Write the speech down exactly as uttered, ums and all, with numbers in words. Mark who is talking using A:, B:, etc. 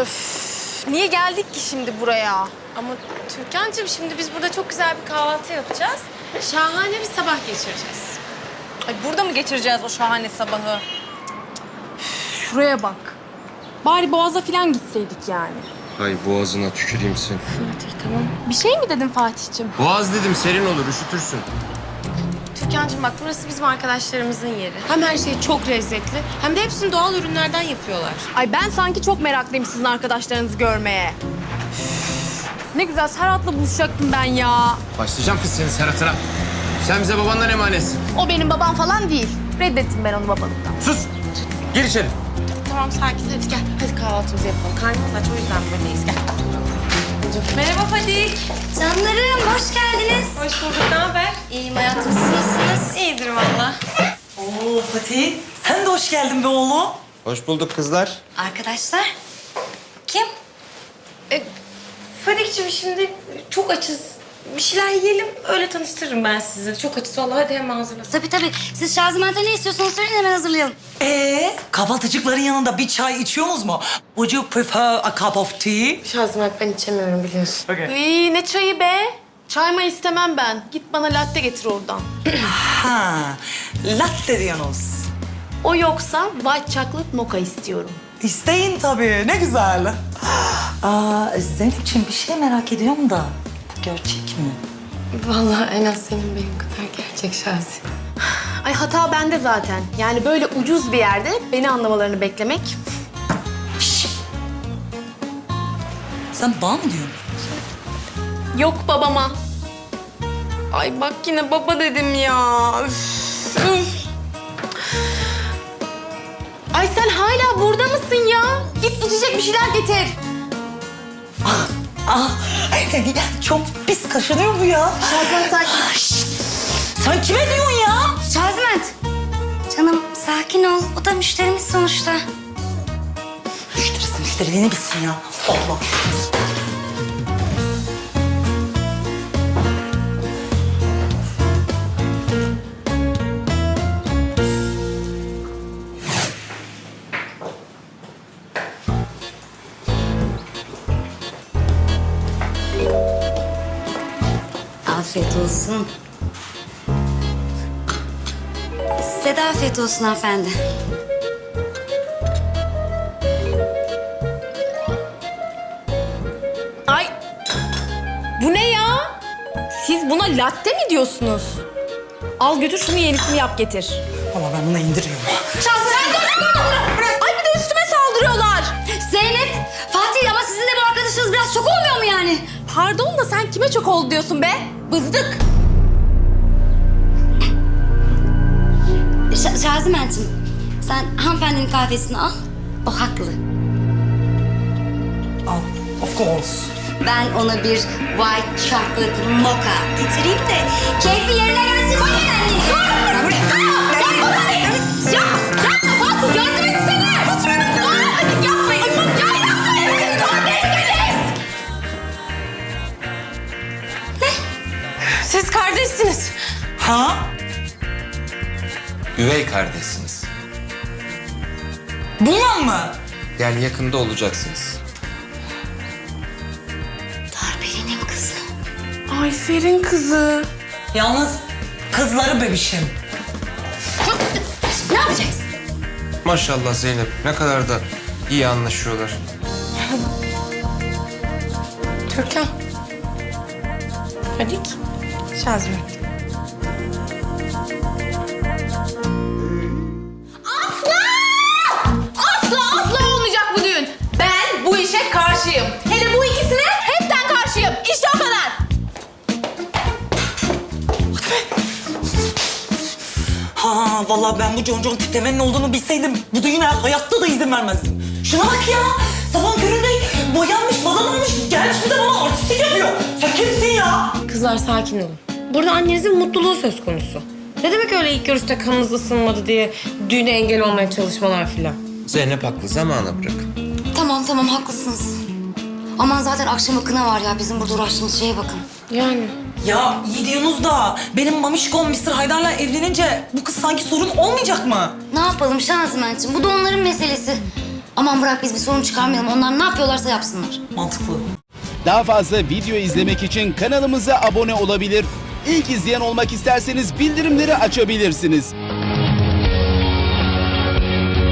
A: Öf, niye geldik ki şimdi buraya?
B: Ama Türkan'cığım şimdi biz burada çok güzel bir kahvaltı yapacağız. Şahane bir sabah geçireceğiz.
A: Ay burada mı geçireceğiz o şahane sabahı? Şuraya bak. Bari Boğaz'a falan gitseydik yani.
C: Hay boğazına tüküreyim sen.
B: Fatih tamam.
A: Bir şey mi dedin Fatih'ciğim?
C: Boğaz dedim, serin olur, üşütürsün.
B: Türkan'cığım bak burası bizim arkadaşlarımızın yeri. Hem her şey çok lezzetli hem de hepsini doğal ürünlerden yapıyorlar.
A: Ay ben sanki çok meraklıyım sizin arkadaşlarınızı görmeye. Üf, ne güzel Serhat'la buluşacaktım ben ya.
C: Başlayacağım kız senin Serhat'ına. Sen bize babandan emanetsin.
A: O benim babam falan değil. Reddettim ben onu babalıktan.
C: Sus! Gir içeri.
B: Tamam sakin hadi gel. Hadi kahvaltımızı yapalım. Karnımız aç o yüzden buradayız gel. Merhaba Fadik.
D: Canlarım hoş geldiniz.
B: Hoş bulduk. Ne haber?
D: İyiyim hayatım, siz nasılsınız?
B: İyidir valla.
E: Oo Fatih, sen de hoş geldin be oğlum.
C: Hoş bulduk kızlar.
D: Arkadaşlar, kim?
B: E, Fadik'ciğim şimdi çok açız. Bir şeyler yiyelim öyle tanıştırırım ben sizi. Çok açız vallahi hadi hemen hazırlasın.
D: Tabii tabii. Siz Şazimen'de ne istiyorsanız söyleyin hemen hazırlayalım.
E: Ee, kahvaltıcıkların yanında bir çay içiyorsunuz mu? Would you prefer a cup of tea?
B: Şazimet ben içemiyorum biliyorsun.
A: İyi ne çayı be? Çay mı istemem ben. Git bana latte getir oradan.
E: Ha, latte diyorsunuz.
A: O yoksa white chocolate mocha istiyorum.
E: İsteyin tabii, ne güzel. Aa, Zeynep'ciğim bir şey merak ediyorum da, bu gerçek mi?
B: Vallahi en az senin benim kadar gerçek Şazi.
A: Ay hata bende zaten. Yani böyle ucuz bir yerde beni anlamalarını beklemek.
E: Şşş! Sen bana mı diyorsun?
A: Yok babama. Ay bak yine baba dedim ya. Üf, üf. Ay sen hala burada mısın ya? Git içecek bir şeyler getir.
E: Ah, çok pis kaşınıyor bu ya.
A: Şazimen sakin.
E: Şşş! Sen kime diyorsun ya?
D: Şaziment. Canım sakin ol. O da müşterimiz sonuçta.
E: Müşterisi müşteri ne bilsin ya? Allah.
D: Afiyet olsun. Size de afiyet olsun hanımefendi.
A: Ay bu ne ya? Siz buna latte mi diyorsunuz? Al götür şunu yenisini yap getir.
E: Ama ben bunu indiriyorum.
A: Şazimen dur dur dur. Ay bir de üstüme saldırıyorlar.
D: Zeynep, Fatih ama sizin de bu arkadaşınız biraz çok olmuyor mu yani?
A: Pardon da sen kime çok oldu diyorsun be? Bızdık.
D: Ş Şaziment'ciğim, sen hanımefendinin kahvesini al. O haklı.
E: Al, of course.
D: Ben ona bir white chocolate mocha getireyim de keyfi yerine gelsin. Bak yani. Dur! Dur! Ya baba! Ya! Ya Fatih yardım etsene! Dur! Yapmayın! Ya yapmayın! Siz kardeşsiniz!
B: Siz kardeşsiniz.
E: Ha?
C: Üvey kardeşsiniz.
E: Bununla mı?
C: Yani yakında olacaksınız.
D: Darbelen'in kızı.
A: Ayfer'in kızı.
E: Yalnız kızları bebişim.
D: Ne yapacağız?
C: Maşallah Zeynep, ne kadar da iyi anlaşıyorlar.
B: Türkan. Fadik. Şazimet.
A: Asla asla olmayacak bu düğün. Ben bu işe karşıyım. Hele bu ikisine hepten karşıyım. İşte o kadar.
E: Ha vallahi ben bu Concon tiplemenin olduğunu bilseydim bu düğüne hayatta da izin vermezdim. Şuna bak ya. Sabah köründe boyanmış, badanılmış, gelmiş bir de bana artistik yapıyor. Sen kimsin ya?
B: Kızlar sakin olun. Burada annenizin mutluluğu söz konusu. Ne demek öyle ilk görüşte kanınız ısınmadı diye düğüne engel olmaya çalışmalar filan.
C: Zeynep haklı, zamana bırak.
D: Tamam tamam haklısınız. Aman zaten akşama kına var ya bizim burada uğraştığımız şeye bakın.
B: Yani.
E: Ya iyi diyorsunuz da benim mamişkom mister Haydar'la evlenince bu kız sanki sorun olmayacak mı?
D: Ne yapalım Şaziment'ciğim bu da onların meselesi. Aman bırak biz bir sorun çıkarmayalım. Onlar ne yapıyorlarsa yapsınlar.
E: Mantıklı.
F: Daha fazla video izlemek için kanalımıza abone olabilir. İlk izleyen olmak isterseniz bildirimleri açabilirsiniz.